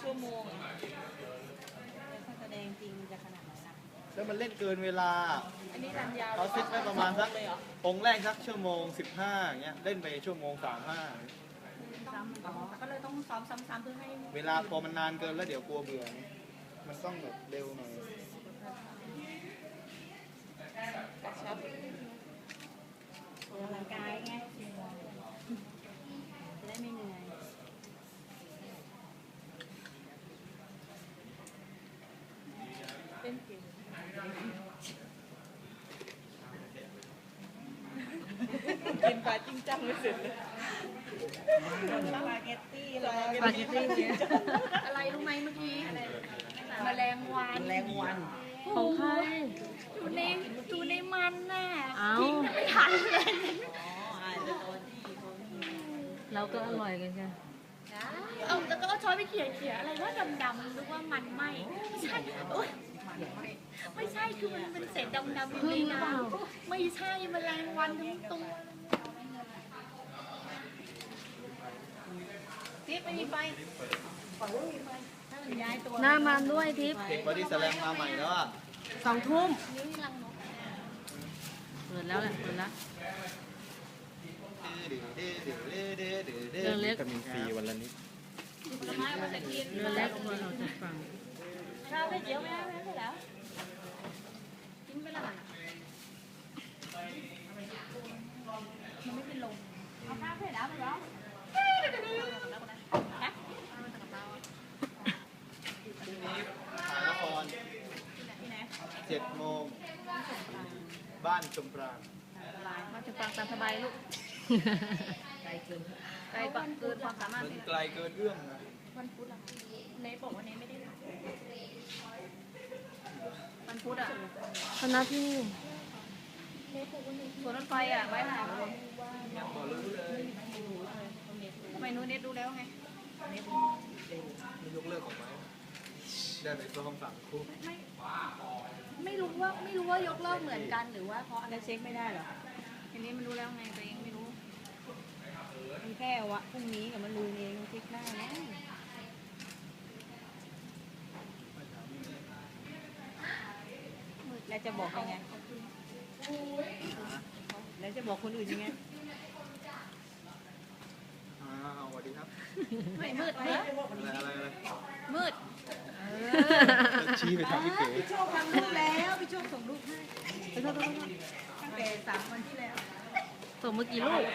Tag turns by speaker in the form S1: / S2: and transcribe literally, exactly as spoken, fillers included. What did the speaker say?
S1: ชั่วโมงถ้าแสดงจริงจะขนาดไหนล่ะ
S2: แล้วมันเล่นเกินเวลา
S1: อันนี้รันยาว
S2: เขาซิดไว้ประมาณสักองค์แรกสักชั่วโมงสิบห้าอย่างเงี้ยเล่นไปชั่วโมงสามห้า
S1: ซ้ำอ๋อก็เลยต้องซ้อมซ้ำๆเพื่อให้
S2: เวลาพอมันนานเกินแล้วเดี๋ยวกลัวเบื่อมันต้องแบบเร็วหน่อย
S1: กระชับออกกำลังกายไงจะได้ไม่เหนื่อยเป็นเก่งกินปลาจริงจังไม่เสร็จเลยสปาเกตตี้สปาเกตตี้อะไรรู้ไหมเมื่อกี้แมลงวันแมลงวัน
S3: ของใคร
S1: อยู่ในอยู่ในมันน่ะ
S3: เอา
S1: ทิ้งไม่ทันเลย
S3: เราก็อร่อยกันจ้ะ
S1: เอาแล้วก็เอาช้อนไปเขี่ยเขี่ยอะไรว่าดำๆนึกว่ามันไหมไม่ใช่โอ๊ยไม่ใช่คือมันเป็นเศษดำๆอยู่ในน้ำไม่ใช่แมลงวันทั้งตัวทิพย์ไม่มีไฟฝั่งนู้นมีไฟถ้ามันย้ายตัว
S3: หน้ามันด้วยทิพย์
S2: เด็กบอดี้แสลมมาใหม่แล้วอ่ะ
S3: สองทุ่ม
S1: นิ้วนี่รังนก
S3: เปิดแล้วแหละเปิดแล้ว
S2: เรือเล็กวิตามินซีวันละนิด
S1: ผลไม้เอามาใส่ทีน
S3: เรือเล็กเอามาออกจากฝั่ง
S1: ข้าวไม่เจียวไม่ได้ไม่ได้แล้วทิ้งไปละมันไม่เป็นลมเอาข้าวเสร็จแล้วเหรอ
S2: พรุ่งนี้ถ่ายละครเจ็ดโมงบ้านชมปราง
S1: มาถึงฟังตามสบายลูกไกลเกินไกลเกินความสามารถ
S2: มันไกลเกินเรื่องนะ
S1: วันพุธอะเนยบอกว่าเนยไม่ได้ถ่ายวันพุธอะ
S3: คณะที่
S1: สวนรถไฟอะไว้ถ่าย
S2: ยังพอรู้เลย
S1: ทำไมนู้นเน็ตดูแล้วไง
S2: ไม่ยกเลิกของไม้ได้ไปซ้อมสามคู่
S1: ไม่ไม่รู้ว่าไม่รู้ว่ายกเลิกเหมือนกันหรือว่าเพราะอะไรเช็คไม่ได้หรอทีนี้มันรู้แล้วไงตัวเองไม่รู้มันแค่วะพรุ่งนี้กับมันลืมเองเช็คได้นะแล้วจะบอกยังไงแล้วจะบอกคนอื่นยังไง
S2: อ้าวสวัสดีครับ
S1: ไม่มืดนะ
S2: อะไรอะไรอะไร
S1: มืด
S2: ชี้ไปทางพี่เก๋
S1: พี่โชคทำรูปแล้วพี่โชคส่งรูปให้ตั้งแต่สามวันที่แล้ว
S3: ส่งเมื่อกี่ลูก